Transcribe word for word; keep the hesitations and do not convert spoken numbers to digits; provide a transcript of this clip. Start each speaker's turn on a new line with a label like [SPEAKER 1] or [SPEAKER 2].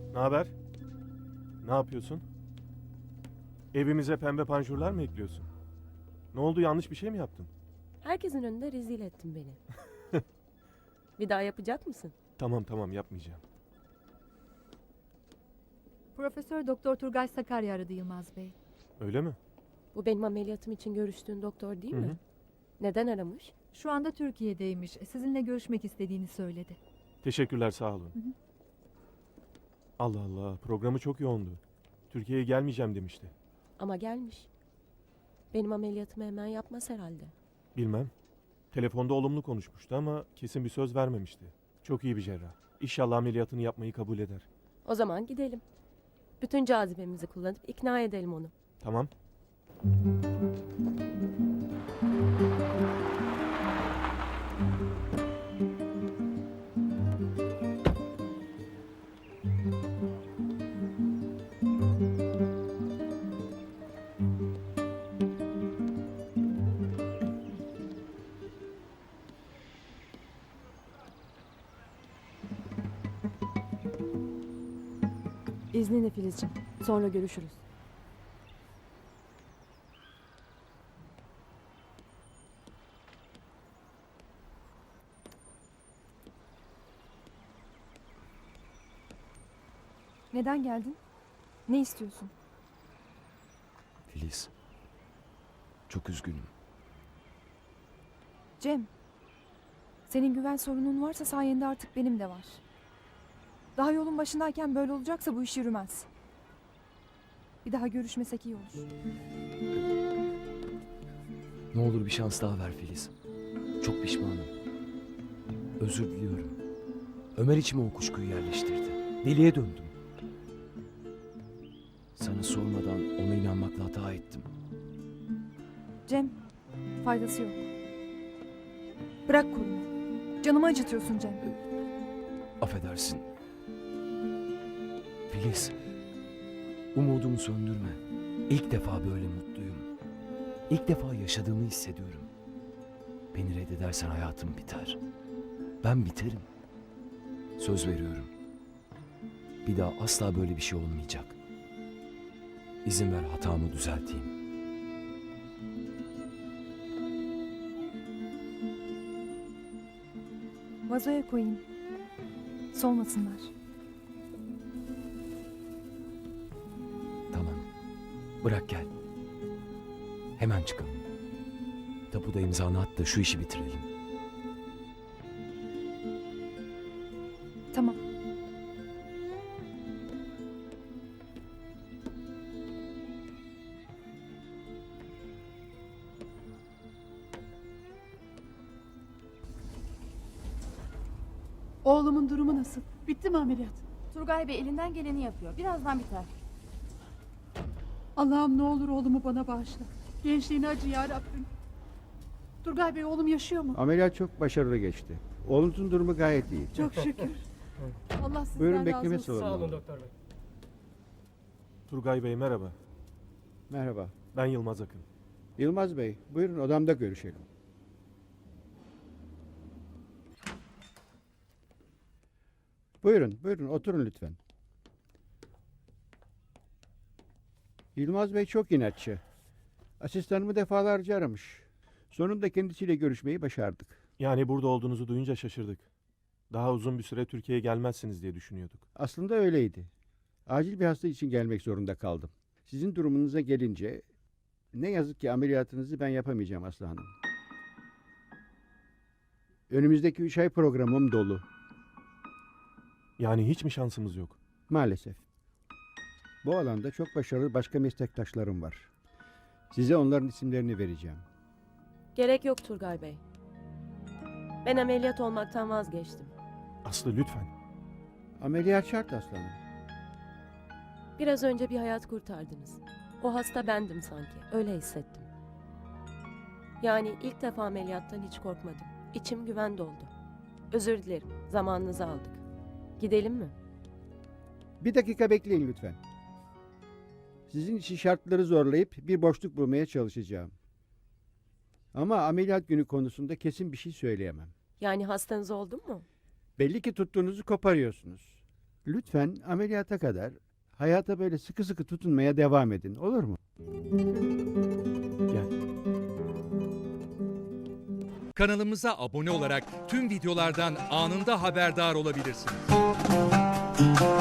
[SPEAKER 1] Ne haber? Ne yapıyorsun? Evimize pembe panjurlar mı ekliyorsun? Ne oldu, yanlış bir şey mi yaptın?
[SPEAKER 2] Herkesin önünde rezil ettin beni. Bir daha yapacak mısın?
[SPEAKER 1] Tamam tamam, yapmayacağım.
[SPEAKER 3] Profesör Doktor Turgay Sakarya aradı Yılmaz Bey.
[SPEAKER 1] Öyle mi?
[SPEAKER 2] Bu benim ameliyatım için görüştüğün doktor değil
[SPEAKER 1] Hı
[SPEAKER 2] mi?
[SPEAKER 1] hı.
[SPEAKER 2] Neden aramış?
[SPEAKER 3] Şu anda Türkiye'deymiş. Sizinle görüşmek istediğini söyledi.
[SPEAKER 1] Teşekkürler, sağ olun.
[SPEAKER 3] Hı hı.
[SPEAKER 1] Allah Allah, programı çok yoğundu. Türkiye'ye gelmeyeceğim demişti.
[SPEAKER 2] Ama gelmiş. Benim ameliyatımı hemen yapmaz herhalde.
[SPEAKER 1] Bilmem. Telefonda olumlu konuşmuştu ama kesin bir söz vermemişti. Çok iyi bir cerrah. İnşallah ameliyatını yapmayı kabul eder.
[SPEAKER 2] O zaman gidelim. Bütün cazibemizi kullanıp ikna edelim onu.
[SPEAKER 1] Tamam.
[SPEAKER 2] İzninle Filizciğim. Sonra görüşürüz.
[SPEAKER 3] Neden geldin? Ne istiyorsun?
[SPEAKER 4] Filiz. Çok üzgünüm.
[SPEAKER 5] Cem, senin güven sorunun varsa sayende artık benim de var. Daha yolun başındayken böyle olacaksa bu iş yürümez. Bir daha görüşmesek iyi olur.
[SPEAKER 4] Ne olur bir şans daha ver Filiz. Çok pişmanım. Özür diliyorum. Ömer içime o kuşkuyu yerleştirdi. Deliye döndüm. Sana sormadan ona inanmakla hata ettim.
[SPEAKER 5] Cem, faydası yok. Bırak kolumu. Canımı acıtıyorsun Cem.
[SPEAKER 4] Affedersin. Filiz. Umudumu söndürme. İlk defa böyle mutluyum. İlk defa yaşadığımı hissediyorum. Beni reddedersen hayatım biter. Ben biterim. Söz veriyorum. Bir daha asla böyle bir şey olmayacak. İzin ver hatamı düzelteyim.
[SPEAKER 5] Vazoya koyayım. Solmasınlar.
[SPEAKER 4] Tamam. Bırak gel. Hemen çıkalım. Tapuda imzanı at da şu işi bitirelim.
[SPEAKER 5] Tamam.
[SPEAKER 6] Oğlumun durumu nasıl? Bitti mi ameliyat?
[SPEAKER 7] Turgay Bey elinden geleni yapıyor. Birazdan biter.
[SPEAKER 6] Allah'ım ne olur oğlumu bana bağışla. Gençliğine acı ya Rabbim. Turgay Bey, oğlum yaşıyor mu?
[SPEAKER 8] Ameliyat çok başarılı geçti. Oğlunuzun durumu gayet iyi.
[SPEAKER 6] Çok şükür. Allah sizden
[SPEAKER 8] Buyurun,
[SPEAKER 6] razı
[SPEAKER 8] bekleme
[SPEAKER 6] olsun.
[SPEAKER 8] salonuna.
[SPEAKER 1] Turgay Bey merhaba.
[SPEAKER 8] Merhaba.
[SPEAKER 1] Ben Yılmaz Akın.
[SPEAKER 8] Yılmaz Bey, buyurun odamda görüşelim. Buyurun, buyurun oturun lütfen. Yılmaz Bey çok inatçı. Asistanımı defalarca aramış. Sonunda kendisiyle görüşmeyi başardık.
[SPEAKER 1] Yani burada olduğunuzu duyunca şaşırdık. Daha uzun bir süre Türkiye'ye gelmezsiniz diye düşünüyorduk.
[SPEAKER 8] Aslında öyleydi. Acil bir hasta için gelmek zorunda kaldım. Sizin durumunuza gelince ne yazık ki ameliyatınızı ben yapamayacağım Aslı Hanım. Önümüzdeki üç ay programım dolu.
[SPEAKER 1] Yani hiç mi şansımız yok?
[SPEAKER 8] Maalesef. Bu alanda çok başarılı başka meslektaşlarım var. Size onların isimlerini vereceğim.
[SPEAKER 2] Gerek yok Turgay Bey. Ben ameliyat olmaktan vazgeçtim.
[SPEAKER 1] Aslı lütfen.
[SPEAKER 8] Ameliyat şart aslanım.
[SPEAKER 2] Biraz önce bir hayat kurtardınız. O hasta bendim sanki. Öyle hissettim. Yani ilk defa ameliyattan hiç korkmadım. İçim güven doldu. Özür dilerim. Zamanınızı aldık. Gidelim mi?
[SPEAKER 8] Bir dakika bekleyin lütfen. Sizin için şartları zorlayıp bir boşluk bulmaya çalışacağım. Ama ameliyat günü konusunda kesin bir şey söyleyemem.
[SPEAKER 2] Yani hastanız oldun mu?
[SPEAKER 8] Belli ki tuttuğunuzu koparıyorsunuz. Lütfen ameliyata kadar hayata böyle sıkı sıkı tutunmaya devam edin. Olur mu?
[SPEAKER 1] Gel.
[SPEAKER 9] Kanalımıza abone olarak tüm videolardan anında haberdar olabilirsiniz.